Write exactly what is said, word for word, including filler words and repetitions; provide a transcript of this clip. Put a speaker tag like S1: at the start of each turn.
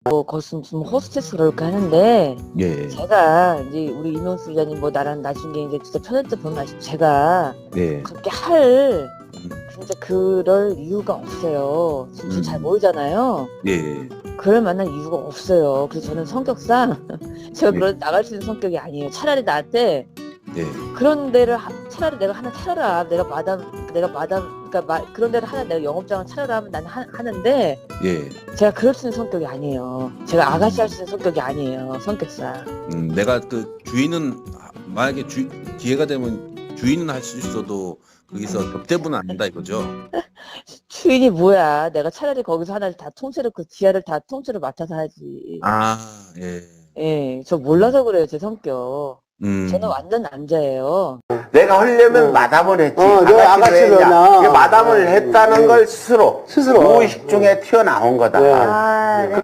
S1: 뭐 거기서 무슨 호스테스 그럴까 하는데
S2: 예.
S1: 제가 이제 우리 이명수 기자님 뭐 나랑 나중에 이제 진짜 편할 때 보면 아시 제가
S2: 네.
S1: 그렇게 할
S2: 음.
S1: 진짜 그럴 이유가 없어요. 진짜 잘
S2: 음.
S1: 모르잖아요.
S2: 예.
S1: 그럴 만한 이유가 없어요. 그래서 저는 성격상 제가
S2: 네.
S1: 그런 나갈 수 있는 성격이 아니에요. 차라리 나한테
S2: 네.
S1: 그런 데를 하, 차라리 내가 하나 차려라. 내가 마담 내가 마담 그러니까 마, 그런 데를 하나 내가 영업장을 차려라 하면 나는 하, 하는데
S2: 예.
S1: 제가 그럴 수 있는 성격이 아니에요. 제가 아가씨 할 수 있는 성격이 아니에요. 성격상.
S2: 음, 내가 그 주인은 만약에 주, 기회가 되면 주인은 할 수 있어도 거기서 접대부는 안 한다 이거죠.
S1: 주인이 뭐야. 내가 차라리 거기서 하나를 다 통째로 그 지하를 다 통째로 맡아서 하지.
S2: 아, 예.
S1: 예, 저 몰라서 그래요. 제 성격.
S2: 음.
S1: 저는 완전 남자예요.
S3: 내가 하려면
S4: 어.
S3: 마담을 했지.
S4: 어, 내가 아가씨를 했나?
S3: 이게 마담을
S4: 어,
S3: 했다는
S4: 음.
S3: 걸 스스로.
S4: 스스로.
S3: 무의식 중에 튀어나온 거다.
S4: 네.
S1: 아, 네.